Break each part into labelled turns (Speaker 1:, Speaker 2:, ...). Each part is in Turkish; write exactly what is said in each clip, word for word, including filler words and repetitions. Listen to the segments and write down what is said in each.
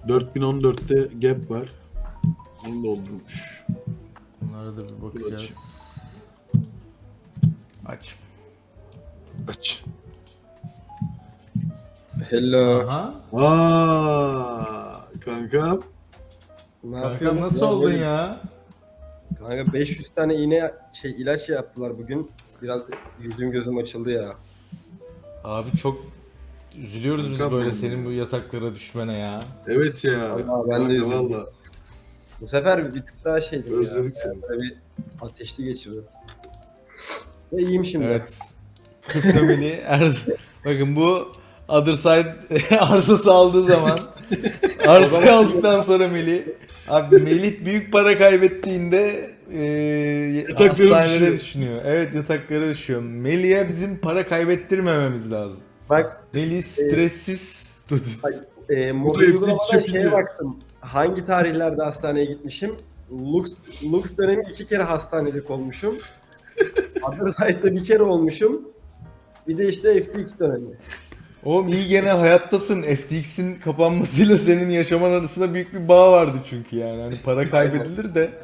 Speaker 1: dört bin on dörtte gap var. Onu doldurmuş.
Speaker 2: Bunlara da bir bakacağız.
Speaker 1: Aç.
Speaker 2: Aç.
Speaker 1: Aç.
Speaker 3: Hello.
Speaker 2: Aha.
Speaker 1: Aa, kankam.
Speaker 3: Ne
Speaker 2: Kanka
Speaker 3: yapıyorsun?
Speaker 2: nasıl
Speaker 3: Ya
Speaker 2: oldun
Speaker 3: böyle-
Speaker 2: ya?
Speaker 3: Kanka beş yüz tane iğne şey ilaç yaptılar bugün. Biraz yüzüm gözüm açıldı ya.
Speaker 2: Abi çok üzülüyoruz biz
Speaker 1: Kankam
Speaker 2: böyle
Speaker 1: benim
Speaker 2: senin
Speaker 1: ya.
Speaker 2: bu yataklara düşmene ya.
Speaker 1: Evet ya.
Speaker 3: Vallahi ben de
Speaker 1: Kanka,
Speaker 3: üzüldüm.
Speaker 1: valla.
Speaker 3: Bu sefer bir tık daha şeydim
Speaker 1: Özledik
Speaker 3: ya.
Speaker 1: seni.
Speaker 3: Böyle bir ateşli geçirdim. Ve iyiyim şimdi.
Speaker 2: Evet. Kriptomeli er... Bakın bu Other Side arsası aldığı zaman arsa aldıktan sonra Melih abi Melih büyük para kaybettiğinde e,
Speaker 1: Yataklara
Speaker 2: hastanelere
Speaker 1: düşüyor.
Speaker 2: düşünüyor. Evet yataklara düşüyor. Melih'e bizim para kaybettirmememiz lazım.
Speaker 3: Bak
Speaker 2: Melih stressiz tut.
Speaker 3: e,
Speaker 1: Bu
Speaker 3: mobil
Speaker 1: da F T X
Speaker 3: uygulamadan
Speaker 1: çöpü
Speaker 3: şeye
Speaker 1: diyor.
Speaker 3: baktım. Hangi tarihlerde hastaneye gitmişim? Lux, Lux dönemi iki kere hastanelik olmuşum. Other Side'da bir kere olmuşum. Bir de işte F T X dönemi.
Speaker 2: Oğlum iyi gene hayattasın. F T X'in kapanmasıyla senin yaşaman arasında büyük bir bağ vardı çünkü yani. Hani para kaybedilir de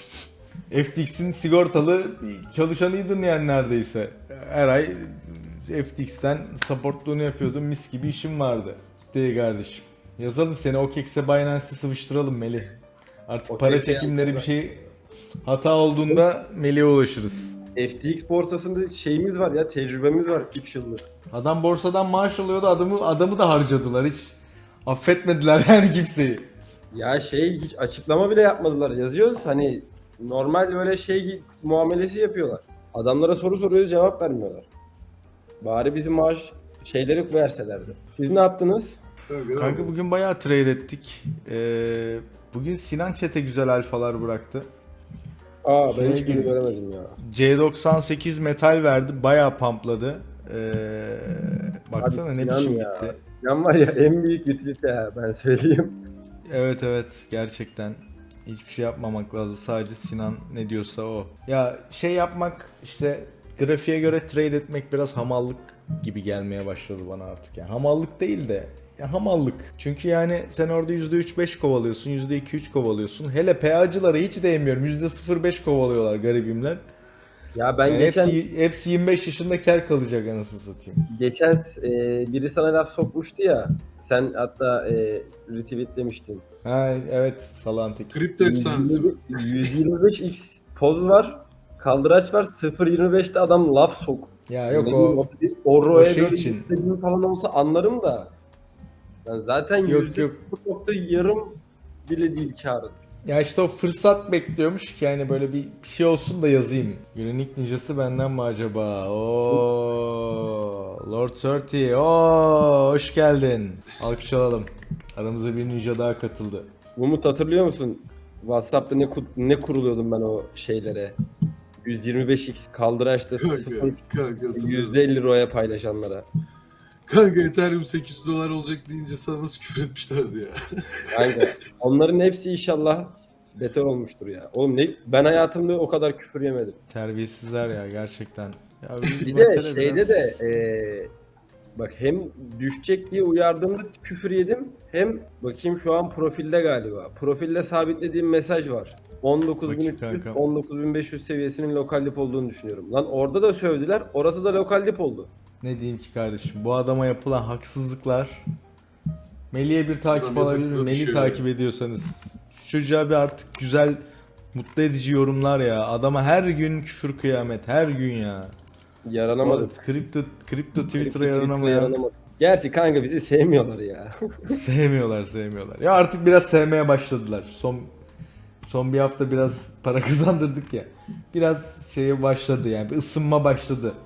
Speaker 2: F T X'in sigortalı bir çalışanıydın yani neredeyse. Her ay F T X'ten supportluğunu yapıyordun. Mis gibi işin vardı. Değil kardeşim. Yazalım seni OKEX'e Binance'e sıvıştıralım Melih. Artık para
Speaker 3: OKEX'e
Speaker 2: çekimleri bir
Speaker 3: yazdım
Speaker 2: şey hata olduğunda Melih'e ulaşırız.
Speaker 3: F T X borsasında şeyimiz var ya, tecrübemiz var üç yıllık.
Speaker 2: Adam borsadan maaş alıyordu, adamı adamı da harcadılar hiç. Affetmediler yani kimseyi.
Speaker 3: Ya şey hiç açıklama bile yapmadılar. Yazıyoruz hani normal böyle şey muamelesi yapıyorlar. Adamlara soru soruyoruz cevap vermiyorlar. Bari bizim maaş şeyleri verselerdi. Siz ne yaptınız?
Speaker 1: Kanka,
Speaker 2: Kanka bugün bayağı trade ettik. Ee, bugün Sinan Çete güzel alfalar bıraktı.
Speaker 3: Aa ben
Speaker 2: Şeye
Speaker 3: hiçbirini
Speaker 2: girdik.
Speaker 3: göremedim ya.
Speaker 2: C doksan sekiz metal verdi, bayağı pampladı. Ee, baksana
Speaker 3: Abi
Speaker 2: ne
Speaker 3: Sinan
Speaker 2: biçim
Speaker 3: ya.
Speaker 2: gitti.
Speaker 3: Sinan var ya en büyük utilite ya ben söyleyeyim.
Speaker 2: Evet evet gerçekten hiçbir şey yapmamak lazım. Sadece Sinan ne diyorsa o. Ya şey yapmak işte grafiğe göre trade etmek biraz hamallık gibi gelmeye başladı bana artık. Yani hamallık değil de ya hamallık. Çünkü yani sen orada yüzde üç beş kovalıyorsun, yüzde iki üç kovalıyorsun. Hele P A'cılara hiç değmiyorum. yüzde sıfır virgül beş kovalıyorlar garibimler.
Speaker 3: Ya ben
Speaker 2: Yani
Speaker 3: geçen
Speaker 2: hepsi, hepsi yirmi beş yaşında kar kalacak anasını satayım.
Speaker 3: geçen e, biri sana laf sokmuştu ya. Sen hatta e, retweet demiştin.
Speaker 2: Ha evet salağın teki.
Speaker 1: Kripto efsanesi mi?
Speaker 3: yüz yirmi beş x poz var. Kaldıraç var. sıfır virgül yirmi beşte adam laf sok.
Speaker 2: Ya yok
Speaker 3: Ne
Speaker 2: o
Speaker 3: bileyim, o roya
Speaker 2: şey
Speaker 3: böyle
Speaker 2: için.
Speaker 3: istediğim falan olsa anlarım da. Ben zaten
Speaker 2: Yok,
Speaker 3: yüzde
Speaker 2: yok.
Speaker 3: sıfır nokta yarım bile değil karın.
Speaker 2: Ya işte o fırsat bekliyormuş ki yani böyle bir bir şey olsun da yazayım. Günün ilk ninjası benden mi acaba? Oo, Lord Surty. Oo, hoş geldin. Alkış alalım. Aramıza bir ninja daha katıldı.
Speaker 3: Umut hatırlıyor musun? WhatsApp'ta ne ku- ne kuruluyordum ben o şeylere. yüz yirmi beş x kaldıraçta
Speaker 1: Kanka,
Speaker 3: sıfır
Speaker 1: kanka hatırlıyorum.
Speaker 3: yüzde elli roya paylaşanlara.
Speaker 1: Kanka Ethereum sekiz yüz dolar olacak deyince sana nasıl küfür etmişlerdi ya.
Speaker 3: Kanka onların hepsi inşallah beter olmuştur ya. Oğlum ne ben hayatımda o kadar küfür yemedim.
Speaker 2: Terbiyesizler ya gerçekten. Ya biz
Speaker 3: Bir de
Speaker 2: Metal'e
Speaker 3: şeyde
Speaker 2: biraz-
Speaker 3: de eee, bak hem düşecek diye uyardığımda küfür yedim. Hem bakayım şu an profilde galiba. Profilde sabitlediğim mesaj var. on dokuz bin
Speaker 2: Bakayım
Speaker 3: üç yüz
Speaker 2: kankam.
Speaker 3: on dokuz bin beş yüz seviyesinin lokal dip olduğunu düşünüyorum. Lan orada da sövdüler. Orası da lokal dip oldu.
Speaker 2: Ne diyeyim ki kardeşim, bu adama yapılan haksızlıklar. Melih'e bir takip
Speaker 1: Adam
Speaker 2: alabilir
Speaker 1: yatakta
Speaker 2: miyim? Melih'i
Speaker 1: düşüyor
Speaker 2: takip ediyorsanız. Şu çocuğa bir artık güzel, mutlu edici yorumlar ya. Adama her gün küfür kıyamet, her gün ya.
Speaker 3: Yaranamadım.
Speaker 2: Kripto, kripto Twitter'a
Speaker 3: Twitter'a
Speaker 2: yaranamayan
Speaker 3: yaranamadım. Gerçi kanka bizi sevmiyorlar ya.
Speaker 2: sevmiyorlar, sevmiyorlar. Ya artık biraz sevmeye başladılar. Son son bir hafta biraz para kazandırdık ya. Biraz şeye başladı yani, bir ısınma başladı.